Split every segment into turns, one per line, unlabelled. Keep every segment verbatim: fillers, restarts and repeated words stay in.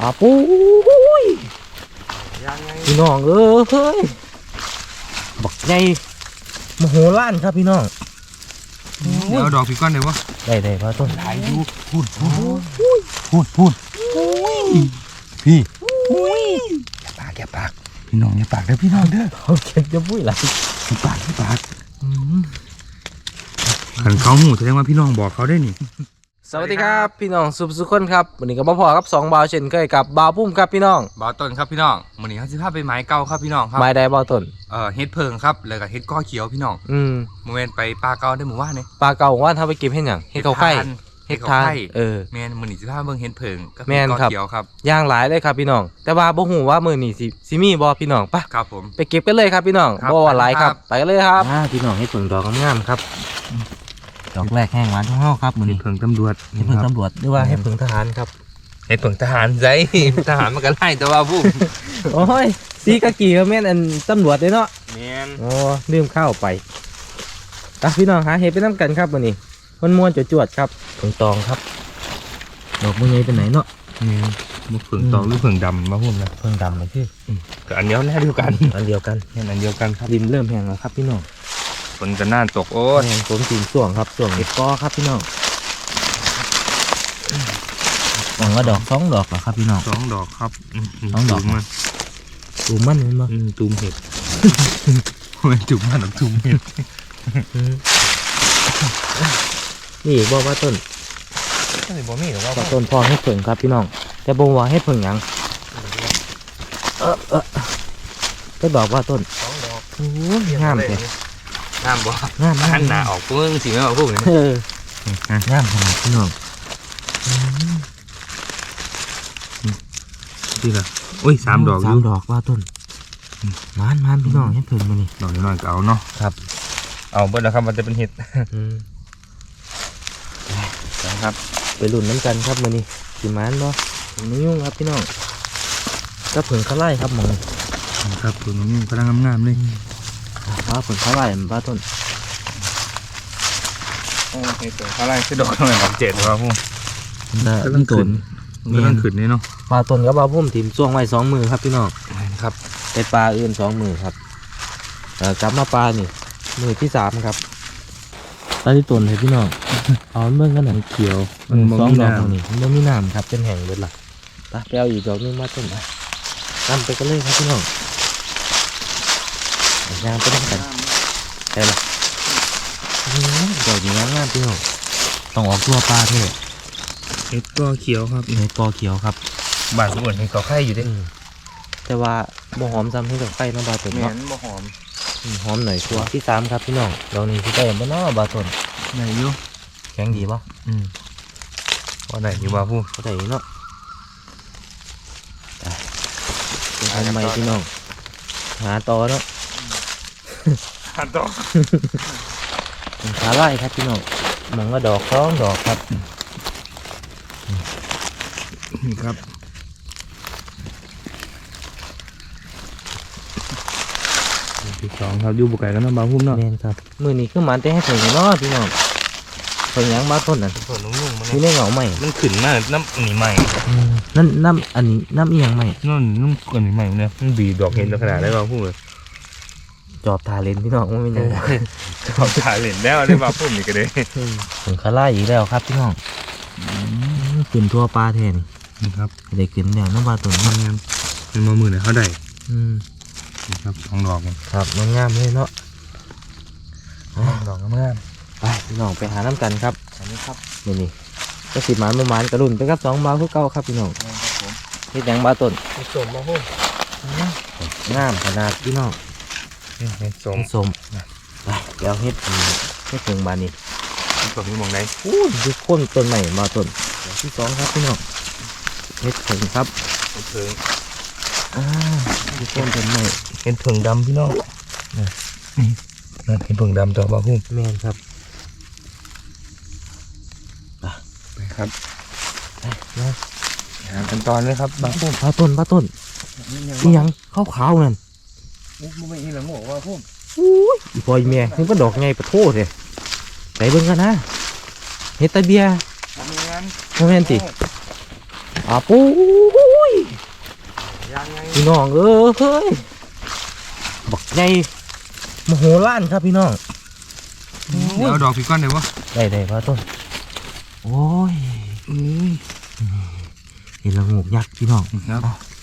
อาปุ้ยพี่น้องเอ้ยบักใหญ่โมโหล้านครับพี่น้อง
เดี๋ยวดอกพี่ก้อนเดี๋ยววะ
ได้ได้พระต้น
หลายอยู่พูดพูดพูดพูดพี่อย่าปากอย่าปากพี่น้องอย่าปากเด้อพี่น้องเด้อ
เขาเก็บจะปุ้ยหลาย
อย่าปากอย่าปากขันเขาหูแสดงว่าพี่น้องบอกเขาได้นี่
สวัสดีครับพี่น้องสุภสุคนครับวันนี้ก็มาพอครับสองบาวเช่นเคยกับบาวพุ่มครับพี่น้อง
บ่าวต้นครับพี่น้องวันนี้เขาสิพาไปไม้เก่าครับพี่น้องครับ
ไม้ใดบาวต้น
เอ่อเฮ็ดเพิงครับแล้วก็เฮ็ดก้อเขียวพี่น้อง
อืม
โมเมนต์ไปปลาเก่าได้หมู่บ้านนี่
ปลาเก่าว่าถ้าไปเก็บเห็ดหยังเห็ดเขาไข่
เฮ็ดเขาไข่
เออ
แม่นมื้อนี้สิพาเบิ่งเฮ็ดเพิงกับ
แม่น
ก้อเขียวครับ
ย่างหลายเลยครับพี่น้องแต่ว่าบ่ฮู้ว่ามื้อนี้สิสิมีบ่พี่น้องปะ
ครับผม
ไปเก็บกันเลยครับพี่น้องบ่ว่าหลายครับไปกันเลยครับพี่น้องเฮ็ดเพิงดอกงามๆครับดอกแรกแห้งหวานของเฮาครับมื้อนี้
เพิงตำรวจ
เฮ็ดเพิงตำรวจหรือว่าเฮ็ดเพิงทหารครับ
เฮ็ดเพิงทหารไสทหารมันก็ไล่แต่ว่าผู้
โอ้ยสีกะกี่ก็แม่นอันตำรวจเด้เนาะ
แม่น
โอ้ลืมข้าวไปตาพี่น้องหาเฮ็ดไปนำกันครับมื้อนี้ม่วนๆจวดๆครับเพิงตองครับดอกมื้อนี้เป็นไหนเนาะ
แม่นบ่เพิงตองหรือเพิงดำมาพุ่มนะ
เพิงดำเลยพี่
ก็อันเดียวแน่เดียวกัน
อันเดียวกัน
แม่นอันเดียวกันครับ
ดินเริ่มแห้งแล้วครับพี่น้อง
ฝนจะน่าตกโอ้
ยฝนตีนส่วงครับส่วงเห็ดกอครับพี่น้องหวังว่าดอกสองดอกเหรอครับพี่น้อง
สองดอกครับ
สองดอกมันตูมมันเห็นป่ะ
ตูมเห็ดไม่ตูมมันหรอกตูมเห็ด
นี่บอกว่าต้น
นี่บ่มีหรอว่า
ต้นพ่อให้เพิ่งครับพี่น้องแต่บ่ว่าให้เพิ่งยังเออเออก็ดอกว่าต้น
สองดอก
โอ้ยงามเลย
งามบ่
งาม
หันหน้าออกพึ่งสิไม่มาพูดเลย
เอองามขนาดพี่น้อง
ดีละโอ้ยสามดอก
สามดอกว่าต้นมานมานพี่น้องให้เพิ่งมานี่
ดอกน้อยก็เอาเนาะ
ครับ
เอาเบิดแล้วครับมันจะเป็นเห็ด
นะครับไปลุ้นน้ำกันครับมานี่สิมานบ่ไม่ยุ่งครับพี่น้องก็เพิ่งเขาไล่ครับมอง
ครับผลนี้กำลังงามๆเลย
ว่าผลเขาไล่มันป้าต้น
โอ้เห็ดเปิดเขาไล่คือดอกหน่อยดอกเจ็ดหรือเปล่าพุ่ม
กำลังขึ้น
กำลังขึ้นนี่เนาะ
ปลาต้นกับปลาพุ่มถิ่มช่วงไว้สองมือครับพี่น้อง
ครับ
เป็นปลาอื่นสองมือครับกลับมาปลานี่มือที่สามครับปลาที่ต้นเลยพี่น้องเอาเมื่อกันหนังเขียวมันสองดอกนี่มันไม่มีน้ำครับเป็นแห่งเลยล่ะตาแปลวอีกดอกนึงมาต้นนำไปกันเลยครับพี่น้องยางไปด้วยกันใช่ไหมดอกนี้งามพี่น้องต้องออกตัวปลาเท่
เห็ดกอเขียวครับ
เห็ดกอเขียวครับ
บ้านส่วนเห็ดกอไข่อยู่ด้วย
แต่ว่าบ่หอมซ้ำให้ดอกไข่มาบาต้น
เนาะบ่หอม
หอมหน่อยชัวที่สามครับพี่น้องดอกนี้ที่ได้บ่เนาะบาต้น
ไหนอยู่
แข็งดีป่ะ
อืมว่าไหนอยู่บ้าพู
ก็ได้เนาะทำไมพี่น้องหาต่อเนาะ
หาต่อ
ขาไล่ครับพี่น้องมองว่าดอกสองดอกครับ
นี่ครับที่สองครับอยู่บุกไก่กันนะบ้าพุ่มเนาะ
เน่นครับมือนี้คือมันแต่ให้ถึงเนาะพี่น้องถึงยังบ้าต้นนั่น
ส่วนนุ่มๆมัน
นี่เล่เหงาใหม่
มันขึ้นมากน้ำหนีใหม่
นั่นน้ำอันนี้น้ำอีหยังใหม่
นั่นน้ำอันนี้ใหม่เนี่ยมันบีดอกเห็นขนาดได้บ้าพุ่มเลย
จอบทาเลนพี่น้องไม่เป็นไร
จอบทาเลนแล้วได้บ้าพุ่มอีกเลย
ถึงคาร่าอีกแล้วครับพี่น้องขึ้นทั่วปลาแทน
นี่ครับ
ได้ขึ้นแล้วน้ำปลาตัวนี้
งามเป็นมาหมื่นเลยเขาได้
นี่
ครับสองดอก
ครับมันงามเลยเนาะ
ดอกงาม
ไปพี่น้องไปหาน้ำกันครับอันนี้ครับนี่นี่ก็สิบหมานประมาณกระดุนไปครับสองบาทคู่เก้าครับพี่น้องเฮ็ดแดงบาต้น
เฮ็ดสมมาพุ่ม
งามขนาดพี่น้อง
เฮ็ดสม
สมไปเดี๋ยวเฮ็ดเฮ็ดถึงบานนี้
เฮ็ดสมมีมองไหน
อู้ดูโค่นต้นใหม่มาต้นที่สองครับพี่น้องเฮ็ดถึงครับ
เฮ็ดถึง
อ่าดูโค่นต้นใหม่
เฮ็ดถึงดำพี่น้องนี่นั่นเห็ดเพิ่งดำตัวบ้าพุ่ม
แม่นครับ
ไปครับนะหากันตอนเลยครับบ้าพุ่ม
บ้าต้นบ้าต้นนี่ยังขาวขาวนั่น
มันไม่อีหลังหัวบ้าพุ่ม
อู้ยอีพอยเมียนี่ก็ดอกไงปะโทษเลยใส่เบิ้งกันนะเฮ็ดตะเบียโมเมนติอาปุ้ย
ยังไง
พี่น้องเอ้ยเฮ้ยบักใหญ่โมโหล้านครับพี่น้อง
เดี๋ยวเอาดอกพี่ก้อนเดี๋ยววะ
ได้ได้พระต้นโอ้ยเห็นละงูกยักษ์พี่น้อง
ครับ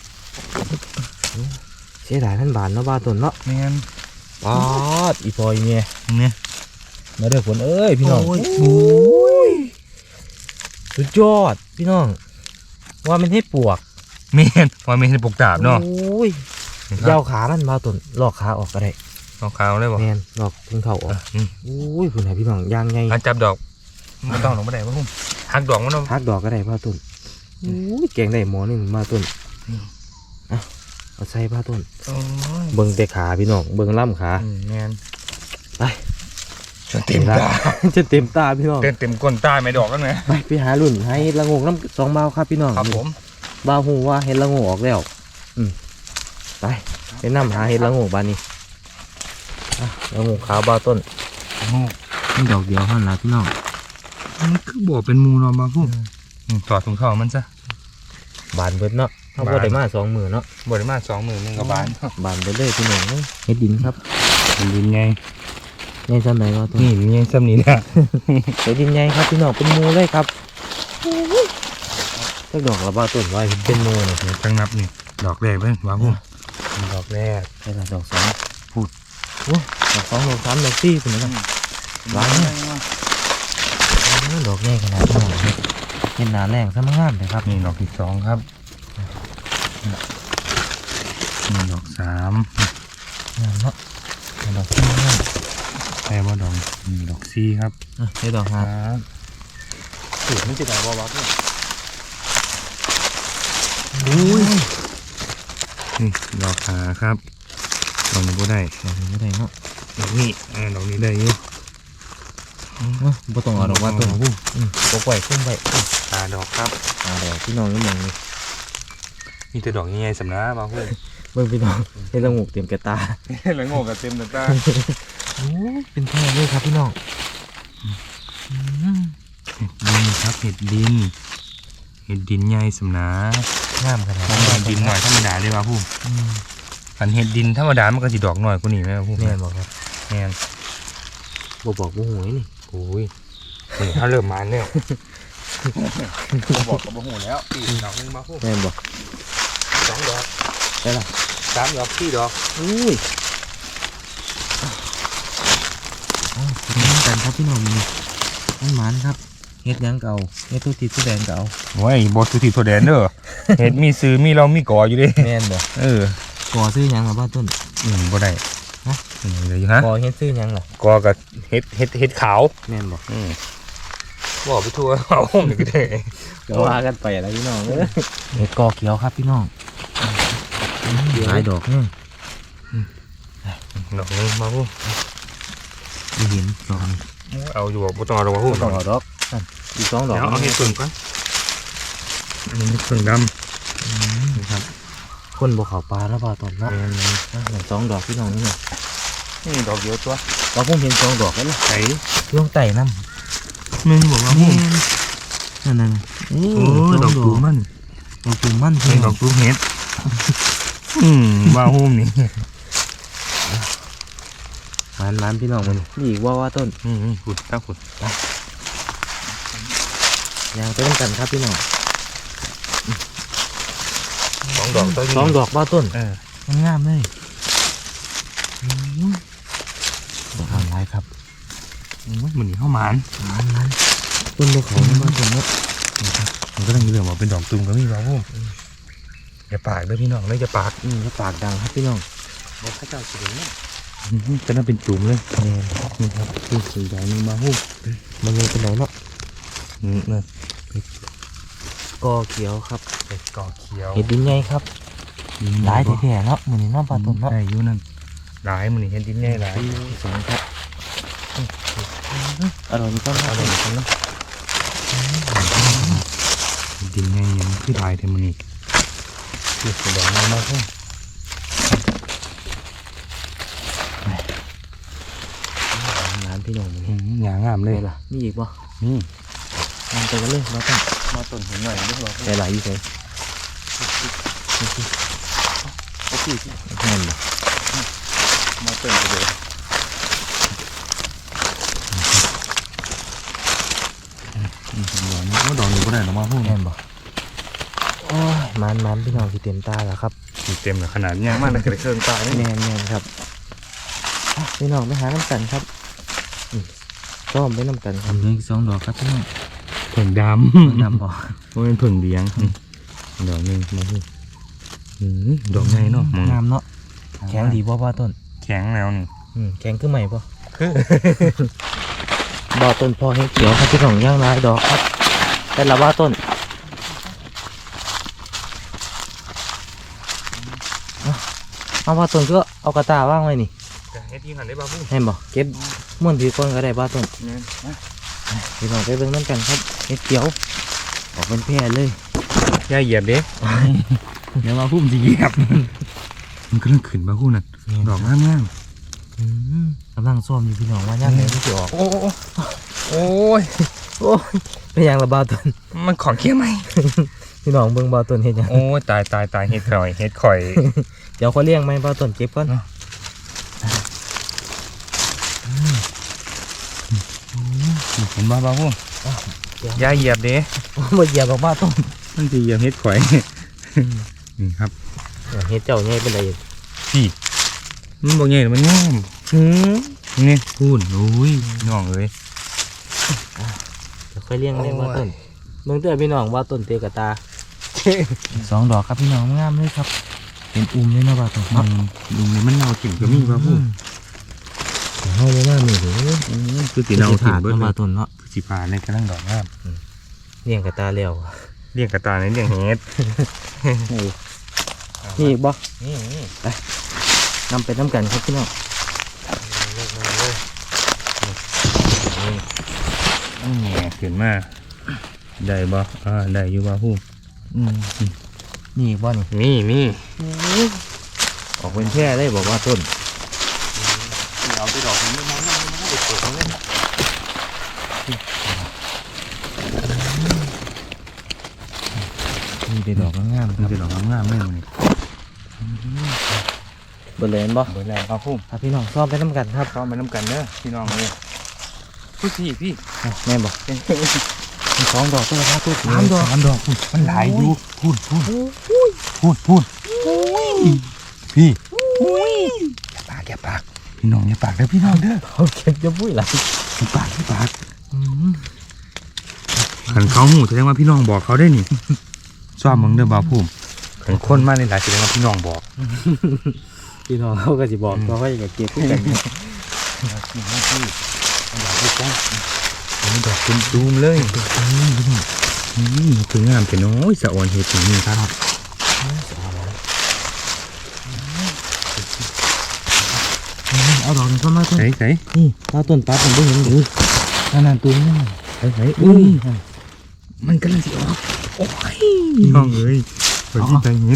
เสียดายท่านบานเนาะบ้าต้นเนาะ
แมน
ปอดอีปอยเนี่ย
เนี่ย
มาเด้อฝนเอ้ยพี่น้อง
โอ้ย
โอ้ยสุดยอดพี่น้องว่ามันให้ปวก
แมนว่าไม่ใช่ปกดาบเนาะ
โอ้ยยาวขามันบ้าต้นลอกขาออกก็ได้
เอาขาวได้บ่
แมนลอกถึงเข่าออก
อืม
โอ้ยคุณไหนพี่น้องย่างไง
อันจับดอกไม่ต้องหรอกไม่ได้ป่ะพุ่มหักดอกมันเนาะ
พักดอกก็ได้บ้าต้นโอ้ยแกงได้หมอหนึ่งบ้าต้น
อืม
อ่ะเอาใส่บ้าต้น
โอ้ย
เบิ่งแต่ขาพี่น้องเบิ่งล่ำขา
อืมแมน
ไป
จนเต็มตา
จะเต็มตาพี่น้อง
เต็มเต็มก้นตาไม่ดอกแล้วไง
ไปไปหารุ่นให้เห็ดละโงกน้ำสองเบาครับพี่น้อง
ครับผม
เบาหูว่าเห็ดละโงกออกแล้วอืมไปไปนำหาเห็ดละโงกบานนี้อ่ะละโงกขาวเบาต้น
โอ้
นี่ดอกเดียวเท่านั้นล่ะพี่น้อง
มันคือบ่เป็นมูเนาะมาพุ่มอืมถอดถุงเท้ามันซะ
บานเบิดเนาะเขา
บาน
บ่ได้มาสองมือเนาะ
บ่ได้มาสองหมื่นหนึ่งกับบาน
บานไปเลยพี่น้องเห็ดดินครับ
เป็นดินไง
ในสมัยว่าต้น
นี่มันยังซ้ำนี้นะ
เห็ดดินใหญ่ครับพี่น้องเป็นหมูเลยครับถ้าดอกละเบาต้นไว้เป็นหมูเนี่ย
เดี๋ยวจังนับนี่ดอกแรกเพิ่นว่าพุ่มดอกแรก
ใช่ละดอกสองพูดโอ้ดอกสองดอกสามดอกสี่เป็นยังไง ร้านเนี่ย ดอกแรกขนาดนี้เห็นหนาแรงซะมั่งงามเลยครับ
นี่ดอกที่สองครับนี่ดอกสาม
งามเนาะดอกที่งาม
แปลว่าดอกนี่ดอกสี่ครับ
อ่ะได้ดอก
ค
หา
รับสูตรมันจะได้บ่วับเนี่ย
อุ้ย
นี่ดอกขาครับดอกนี้ก็ได้
ดอกนี้ไม่ได้เนาะ
ดอกนี้อ่าดอกนี้ได้อยู่
เนาะบ่ต้องเอาดอกว่าต้นอืมก็ปล่อยขึ้นไป
ตาดอกครับ
อ่าเดี๋ยวพี่น้องนี่มองนี่
มีแต่ดอกใหญ่ๆสำนักบ่าวเพื่อน
เบิ่งพี่น้องเห็นละงูกเตรียมแกะตา
แล้วงงกับเต็มตา
โอ้ยเป็นแค่เลยครับพี่น้อง
ดินครับเห็ดดินเห็ดดินใหญ่สำนัก
งามขนาด
ต้องการดินหน่อยธรรมดาเลยว่ะผู้
อืม
ขันเห็ดดินธรรมดามันก็สิดอกหน่อยกว่านี้ไหมวะผู้
แม่นบอกครับ
แม่น
บ่บอกบ่หวยนี่
โอ้ยนี่ถ้าเริ่มมาเนี่ยบอกกับบ่หูแล้วอีกดอกนึงมาผู้
แม่นบอก
สองดอก
ได้ละ
สามดอกสี่ดอก
อุ้ยอ๋อเป็นเหมือนกันครับพี่น้องนี่มันหมานครับเฮ็ดหยังเก่าเฮ็ดตัวติดตัวแดงเก่า
โอ้ยบอสุธิโทแดนเด้อ เห็ดมีซื้อมีเรามีก่ออยู่เดิ
แม่นบ่
เออ
ก่อซื้อหยังล่ะบ้านต้น
อืมบ่ได้
ฮะ
อืมเลยอยู่ฮะ
ก่อเฮ็ดซื้อหยังล่ะ
ก่อกับเห็ดเห็ดเห็ดขาว
แม่นบ่
อืมบอกไปทั่ว เอาห้องนี่ก็ได้
ก็ว่ากันไปแล้วพี่น้องเอ้ยเฮ็ดก่อเขียวครับพี่น้องหลายดอกเนี่ย
ดอกนึงมาพู
ไม่เห็นดอก
เอาอยู่บ่ต้องเอาดอกมาพู
สองดอกนั่นอีกสองดอก
เดี๋ยวเอาเห็ดส่วนก่อนอันนี้เห็ดส่วนดำนี่ครับ
คนบ่เข้าปลาแล้วบ่าต้นเนาะ
แม่น
นั่นสองดอกพี่น้องนี่น่ะ
นี่ดอกเดียวตัว
เราคงเห็นสองดอกแล้วล่ะ
ใส่
ลงไต่น้
มึงบอกว่า
ำ
พู
นั่นนั่นโอ้
โอ้ยดอกตูมัน
ดอกตูมัน
เป็
พี่
นด
น้
อ
อก ง
ตูเห็ดอืมว่าหุ้มนี่
มันมันพี่น้องมันนี่อีกว่าว่าต้น
อืมขุดตั้งขุด
ยางไปต้องกันครับพี่น้อง
สองดอกตัว
สองดอกว่าต้น
เออ
มันงามเลยอืมดอกอะไรครับ
โอ้ยมันนี่เข้าหมาน
มันมันต้นบกเขาไม่มาต้นเนาะ
มันก็ต้องมีเรื่องว่าเป็นดอกตูมก็มีว่าหุ้มอย่าปากเด้อพี่น้องเลยอย่าปาก
อืมแล้วปากดังครับพี่น้อง
บอกพระเจ้าสิเด้อจะน่าเป็นจุ่มเลย
แม่น
นี่ครับนี่คือใหญ่นึงมาหุ้ม
มันเลยเป็นไหนเนาะ
อืมเนี่ย
กอเขียวครับ
เป็ดกอเขียว
เห็ดดินใหญ่ครับหลายแท้ๆเนาะมือนี้เน้องปลาต้นเนาะ
ใช่อยู่นั่นหลายมันนี่เห็นดินใหญ่หลาย
สองครับอร่อยนี่ก็
เอา
อ
เล
ร่อย
ยครับเนาะดินใหญ่ยังคือหลายเทมันนี่คือสีแดงมากๆหุ้ม
ร้านพี่น้องมัน
อืมหยางามเลย
ล่ะมีอีกป่ะ
นี่
มันไปกันเลยมาต้น
มาต้นเห็นหน่อยด้วยว่า
แต่หลายอยู่เลย
โอ้พี่
แม่นบ่
มาเติมไปเลยดอกนี้ก็ดอกนี้ก็ได้หรอมาพูด
แม่นบ่โอ้ยมันมันพี่น้องที่เต็มตาแล้วครับ
เต็มเลยขนาดนี้มากเลยกระเครื่องตาเนี่ย
แม่นแม่นครับอ่ะพี่น้องไปหาน้ำกันครับอืมซ้อมไปน้ำกันครับนี่สองดอกครับพี่น้อง
ผึ่งด
ดำบ่
ำว่าเป็นผึ่งเลี้ยงดอกนึงมาพูดดอกไงเนาะ
งามเนาะแข็งดีบ่บ่ต้น
แข็งแล้วนี่
อืมแข็งคือใหม่บ่บ่ต้นพอให้เขียวครับพี่น้องย่างลายดอกครับแต่ละว่าต้นเอาเอาว่าต้นก็เอากระตาว่างไว้นี่
เฮ็ดที่หันได้บ้าพูด
เห็นบ่เก็บม้วนผีก้นก็ได้บ่ต้น
เนี่ย
พี่น้องไปเบิ่งน้ำกันครับเห็ดเขียวออกเป็นแพร่เลย
ย่าเหยียบเด้เดี๋ยวมาพูดจะเหยียบมันก็เริ่มขึ้นบ้าพูดน่ะดอกงามงาม
อืมกำลังซ้อมอยู่พี่น้องว่าย่างไหนมันจะออก
โอ้โอ้ย
โอ้ยเป็นหยังละบ่ต้น
มันของเคี้ยวไหม
พี่น้องเบิ่งบ่ต้นเฮ็ดหยัง
โอ้ยตายตายตายเฮ็ดข่อยเฮ็ดข่อย
เดี๋ยวเขาเลี้ยงไหมบ่ต้นเก็บก่อน
เห็นบ้าบ้าพูดย่าเหยียบเด้
บ่เหยียบออกมาต้น
มันจะเหยียบเฮ็ดข่อยนี่ครับ
เฮ็ดเจ้าใหญ่เป็นไร
พี่มันบอกไงมันงาม
หืม
นี่พูดโอ้ยน้องเอ้ย
เดี๋ยวค่อยเลี้ยงเลี้ยงบ่ต้นเบิ่งเด้อพี่น้องว่าต้นเตะกะตาสองดอกครับพี่น้องงามเลยครับเป็นอุ้มเลยเนาะบ่ต้น
มันลุงนี่มันเน่าถิ่มก็มีบ้าพูด
เฮาบ่มานี่เด้อ
คือตีเน่าถิ่มเบิด
เนาะ
เล
บ่
ย
ต้นเนาะ
คือสีฟ้าในกระลังดอกงาม
เลี้ยงกะตาแล้ว
เรียกกระตาในเรียกเฮ็ด
นี่อีกบ่
นี่นี่
นำไปน้ำกันครับพี่น้อง
นี่ขึ้นมาได้บ่อ่าได้อยู่บ้าพูด
อืมนี่อีกบ่นี่
มีมี
ออกเป็นแพร่ได้บอกว่าต้น
เอาไปดอกนี้มาแล้วมันไม่ได้เปิดเขาเลย
มีแต่ดอกงามๆค
มัน
รับ
จะดอกงามๆเลยมันนี่
เบอร์เลนบ่
เบิดแรงบ้าพูด
ครับพี่น้องซ้อมไปน้ำกันครับ
เข้ามาน้ำกันเด้อพี่น้องเลยพูดสิพี่
อ่ะแม่นบ่มีสองดอกตัวละครับตัว
สามดอกสามดอกพูดมันหลายอยู่พูดพูดพูดพูดพี่อย่าปากอย่าปากพี่น้องอย่าปากเด้อพี่น้องเด้อ
เขาเก็บจะปุ้ยหลัง
อย่าปากอย่าปากขันเขาหูแสดงว่าพี่น้องบอกเขาได้นี่ชอบมึงเด้อบ่าวพุ่มขันคนมากในหลายแสดงว่าพี่น้องบอก
พี่น้องเขาก็สิบอกเขาให้กับเก็บคู่กัน
นี่ดอกเป็นตูมเลยนี่คืองามแต่น้อยสะอ่อนเห็ดอย่างนี้ครับ
เอาดอกนี้เข้ามาต้น
ใส่ใส่
นี่เอาต้นปั๊บมันไม่เห็นหรือนั่นนั่นตัวนี้
ใส่ใส่อุ้ยมันกำลังสิออกโอ้ยน้องเอ้ยไปที่ใจเห็ด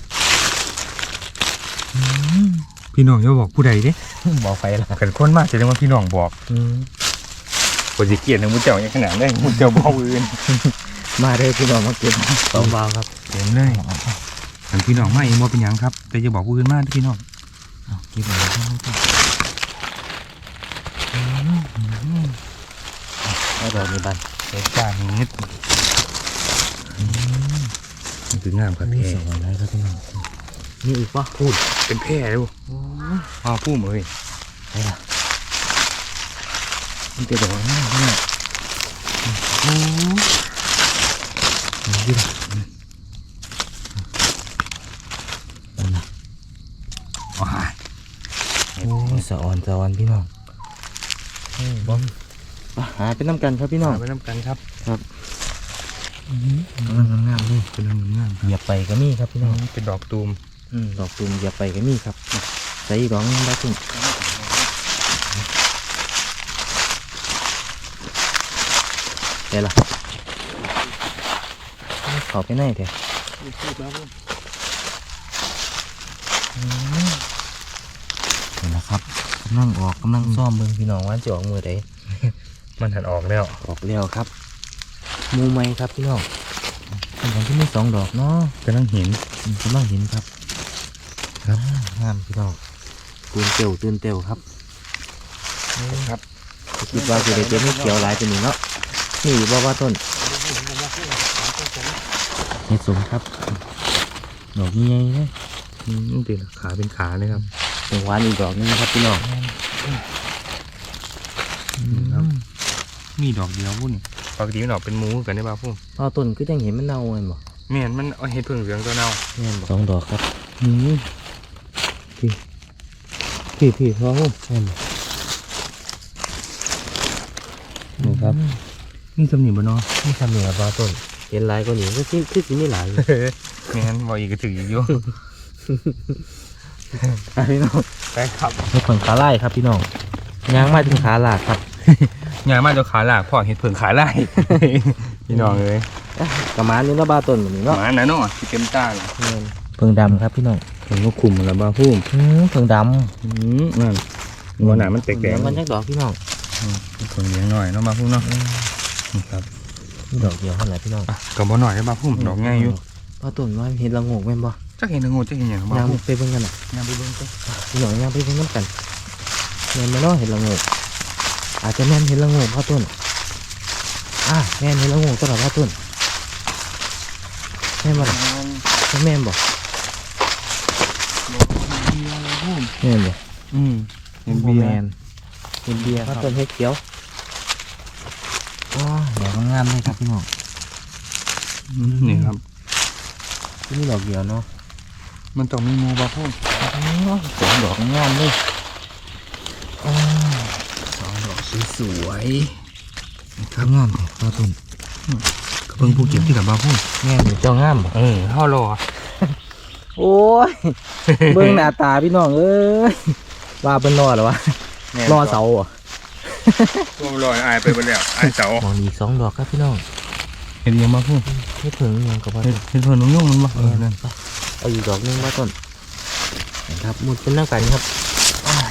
พี่น้องอย่าบอกผู้ใดเด้
บอกไปละ
ขันคนมากแสดงว่าพี่น้องบอก
อืม
คนสิเกลียดนะมุ้เจ้าอย่างขนาดได้มุ้เจ้าบอกอื่น
มาเลยพี่น้องมาเก็บสองบาวครับ
เต็มเลยขันพี่น้องมาเองบ่เป็นหยังครับแต่จะบอกผู้อื่นมากพี่น้อง
เอาเก็บเลยครับเอาดอกนี้บัน
เห็ดจ้าเห็ดมันคืองามครับ
มี
แพร่
สองอะไรครับพี่น้องนี่อีกปะ
พูดเป็นแพร่ดูอ้าวพูดเลย
ไหนล่ะมันจะดอกง่ายเนี่ยโอ้ยนี่ละนั่นนะ
ว้าย
โอ้ยสะออนสะออนพี่น้องบ้องหาเป็นน้ำกันครับพี่น้อง
ไปน้ำกันครับ
งามงามเลย
เป็นงามงาม
เหยียบไปก็มีครับพี่น้อง
เป็นดอกตูม
อืมดอกตูมเหยียบไปก็มีครับใส่ดอกนึงได้ตุ้มเดี๋ยวล่ะขอไปไหนเถอะนี่นะครับกำลังออกกำลังซ่อมเบิ่งพี่น้องว่าจะออกมือใด
มันหันออกแล้ว
ออกแล้วครับหมูไหมครับพี่น้องเป็นของที่มีสองดอกเนาะ
กำลังเห็น
อืมกำลังเห็นครับ
ครับ
งามพี่น้องตื่นเตียวตื่นเตียวครับ
ครับ
คิดว่าสิได้เก็บไม่เขียวหลายตัวนี้เนาะนี่บ่ว่าต้นเห็ดสมครับดอกใหญ่ๆเลย
อืมตีละขาเป็นขาเลยครับ
เป็นหวานอีกดอกหนึงครับพี่น้อง
ครับ มีดอกเดียวพุ่นปกติมันดอกเป็นหมูกันได้ป่ะพุ่น
พอต้นก็ยังเห็นมันเน่าเลยบ่
แม่นมันเอาเห็ดเพิ่งเหลืองตัวเน่า
แม่นบ่สองดอกครับอืมพี่พี่พี่พอพุ่มแม่นบ่นี่ครับ
นี่สำนีบ่เนาะ
นี่ทำเหนือปลาต้นเห็นหลายกว่านี้ก็คือคือสิมีหลายอยู่
แม่นบ่อีกก็ถืออีกอยู่
พี่น้อง
ไปครับ
นี่ผงขาไล่ครับพี่น้องยางมาถึงขาหลากครับ
งานมาจะขาหลากพ่อเห็ดเพิ่งขาไล่ พี่น้องเอ้ย
ประมาณนี้เนาะปลาต้นแบบนี้
ห
เนาะ
มาหนาเนาะที่เต็มตาเลย
เพิ่งดำครับพี่น้อง
เพิ่งก็คุมแล้วบ้าพุ่ม
อืมเพิ่งด
อืมนั่น
ำ
หัวหนามันแตก
เดี๋ยว
ๆ
มันจักดอกพี่น้อง
เพิ่งเลี้ยงหน่อยเนาะบ้าพุ่มเนาะนี่ครับ
นี่ดอกเดียวเท่าไหร่พี่น้อง
อ่ะก็บ่หน่อยได้บ้าพุ่มดอกง่ายอยู่
ปลาต้นว่าเห็นละโงกแม่นบ่
จักเห็นงูจักเห็นอย่างบ้าย
าง
พุ่ม
ไปเบิ่งกันน่ะ
ยางไปเบิ่งกัน
พี่น้องยางไปเบิ่งน้ำกันแม่นบ่เนาะเห็นละโงกอาจจะแม่นเห็นละโงกปลาต้นอ่าแม่นเห็นละโงกตลอดปลาต้นแม่นบ่ล่ะแม่นบ่แม่นบ่
อืมเห็น
โบ
เบีย
แม
ร์
นเป็นเบียร์ครับต้นเฮ็ดเขียวว้าดอกงามเลยครับพี่น้อง
นี่ครับ
ที่นี่ดอกเดียวเนาะ
มันต้องมีงูบ้าพุ่ม
สองดอกงามเลยอ้าว
สองดอกสวยๆ
ครับงามเลยปลาต้น
ก็เพิ่งผู้เก็บที่กับบ้าพุ่ม
งามอยู่เจ้างามบ่
เออห่อรอ
โอ้ย เบิ่งหน้าตาพี่น้องเอ้ยว่าเป็นรอเหรอวะรอเสาอ่ะ
ตัวลอยอายไปไปแล้วอายเสาม
องอีกสองดอกครับพี่น้อง
เห็นยังบ้าพุ่ม
ไม่ถึงยังกับว่า
เห็นเห็นเพิ่นนุ่งๆมันบ้าเออนั่น
เอาอีกดอกหนึงมาต้นนะครับมุดเป็นหน้ากันครับอ้าย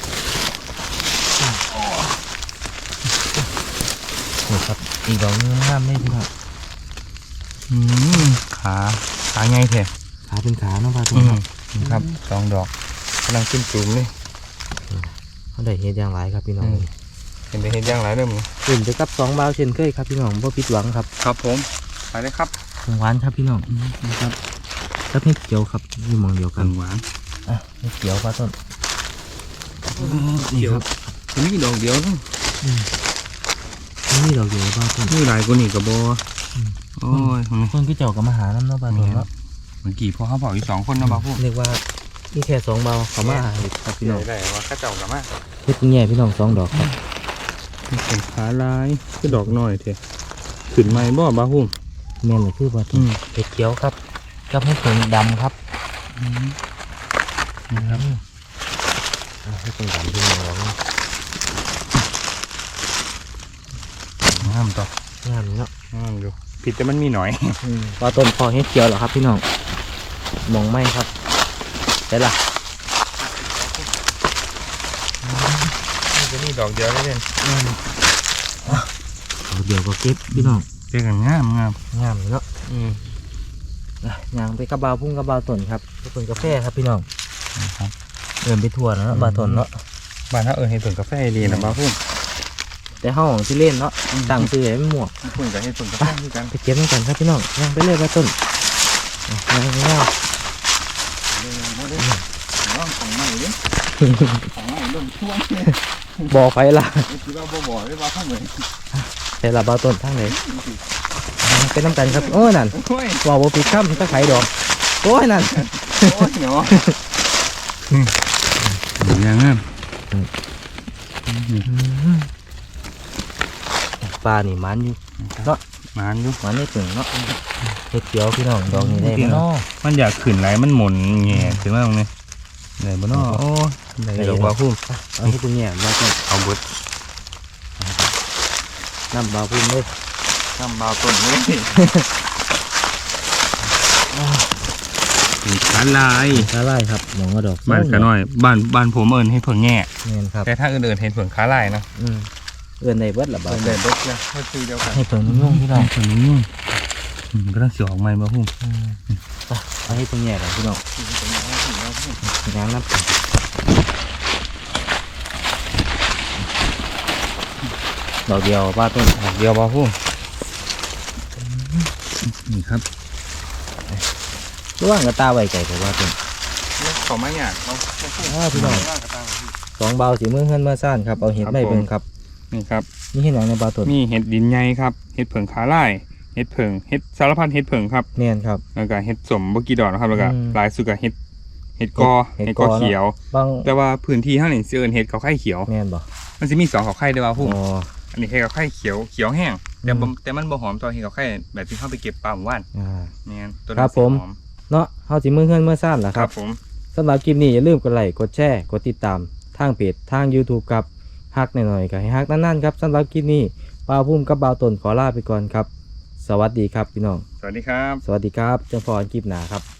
นี่ครับอีกดอกหนึงงามเลยพี่น้อง
อืมขาขาไงแท้
ขาเป็นขาเนาะปลาต้
อื
น
มนี่ครับสองดอกกำลังขึ้นจุ่มเลย
เขาได้เฮ็ดอย่างไรครับพี่น้อง
เห็นได้เห็นย่างไรเริ่มเลย
ขึ้นไปกับสองบาวเช่นเคยครับพี่น้องบ่ผิดหวังครับ
ครับผมไปเลยครับ
ของหวานครับพี่น้องนะครับกับเห็ดเขียวครับอยู่หมองเดียวกั
กัน นหวาน
อ่ะเห็ดเขียวปลาต้นนี่ครับ
นี่ดอกเดียวนึง
นี่ดอกเดียวปลาต้น
นี่หลายกว่านี่กับโบโอ้ย
ต้นพี่เจ้ากับมาหาน้ำเนาะปลาต้นเนาะ
เมื่อกี้พอเขาบอกอีกสองคนนะบ้าพุ่ม
เรียกว่านี่แค่สองบาวเขามาหาเห็ดครับพี่น้อง
ได้ว่าข้าเจ้ากับมา
เห็ดแง่พี่น้องสองดอกครับ
เป็นขาลายคือดอกน้อยเถอะขึ้นไหมบ่บ้าพุ่ม
แม่นเลยคือปลาต้นเห็ดเขียวครับกับเห็ดเผิงดำครับ
นะครับ
อ่ะเห็ดเผิงดำพี่น้อง
งามต่อง
ามเนาะ
งามอยู่ผิดแต่มันมีหน่อย
ปลาต้นพอเห็ดเขียวเหรอครับพี่น้องมองไม่ครับได้ละ
จะมีดอกเดียวได้เลย
เอาเดี๋ยวก็เก็บพี่น้อง
เจอกันงามงาม
งามเนาะ
อืม
อ่ะย่างไปกระบาวพุ่งกระบาวต้นครับไปต้นกาแฟครับพี่น้อง
นะครับ
เดินไปทั่วแล้วเนาะบาวต้นเนาะ
บ้านถ้าเออเห็นผลกาแฟดีนะบ้าพุ่ม
แต่ห้องที่เล่นเนาะตั้งซื้อให้มันหมวก
พุ่มกับเห็นผลกาแฟด้วยกัน
ไปเก็บด้วยกันครับพี่น้องย่างไปเลยบาวต้นอ่ะย่างย่าง
น้องของใหม่ดิของใหม่เริ่มช่วงเลย
บ่อไฟละ
คิดว่าบ่บ่ได้บ้าพุ่มเลย
แต่ละบาวต้นทั้งไหนเป็นน้ำกันครับโอ้ยนั่น
โอ้ย
ว่าบ่ปีข้ามก็ไข่ดอกโอ้ยนั่น
โอ้ยเนาะยังงาม
ปลานี่มันอยู่เนาะ
มันอยู่
มันไม่ถึงเนาะเห็ดเขียวพี่น้องดอกนี้ได้ไหมเนาะ
มันอยากขึ้นไหลมันหมุนแง่ขึ้นมาตรงนี้ไหนบ่เนาะโอ้ไหนดอกบ้าพุ่ม
เอาให้คุณแง่บาวต้น
เอาเบิด
น้ำบาวพุ่มเลย
น้ำบาวต้นเลยมีขาลาย
ขาไล่ครับมองว่าดอก
บ้านขาน้อยบ้านบ้านผมเอิญให้เพิ่งแง่
เงินครับ
แต่ถ้าอื่นๆเห็นเพิ่งขาลายนะ
อืมเอื้อนในเบิดละบาท
เพิ่งเดินรถนะก็คือเดียวกัน
ให้เพิ่งนุ่งพี่น้อง
เพิ่งนุ่งมันก็ต้องเสียออกใหม่บ่พุ่ม
ไปให้ตรงแย่เลยพี่น้องยางนับดอกเดียวป้าต้น
ดอกเดียวบ่พุ่มนี่ครับ
ระว่างกระตาไว้ไก่แต่ว่าต้น
เขาไม่อยากเรา
อ้าวพี่น้องสองเบาสีมือเฮือนเมื่อซ่านครับเอาเห็ดไม่เบิ่งครับ
นี่ครับ
นี่เห็ดหยังในปลาต้น
มีเห็ดดินใหญ่ครับเห็ดเผิงขาลายเห็ดเผิงเห็ดสารพัดเห็ดเผิงครับ
เนียนครับ
แล้วก็เห็ดสมบกีดอกนะครับแล้วก็
อืม
หลายสุดก็เห็ดเห็ดกอ
เห็ด
เห็ด
ก
ก
อ
อเขียว
บาง
แต่ว่าพื้นที่ข้างนี้เสื่อนเห็ดเขาไข่เขียว
เนียนบ่
มันจะมีสองเขาไข่ด้วยว่าพุ่ม
อ๋อ
อันนี้เห็ดเขาไข่เขียวเขียวแห้งแต่บ่
อืม
แต่มันบ่หอมตอนเห็ดเขาไข่แบบที่เข้าไปเก็บปลาหมู่บ้าน
อ่า
เนี่ยตัว
ครั
นั้
บ
น
ผม
สีหอม
เนาะเฮาสิมือเฮือนเมื่อซ่านล่ะ
ค
ค
รั
รั
บบ ผม
สำหรับคลิปนี้อย่าลืมกดไลค์กดแชร์กดติดตามทางเพจทาง YouTube ครับฮักหน่อยๆก็ให้ฮักนั่นๆครับสำหรับคลิปนี้ป้าพุ่มกับบ่าวต้นขอลาไปก่อนครับ สวัสดีครับพี่น้อง
สวัสดีครับ
สวัสดีครับเจอกันคลิปหน้าครับ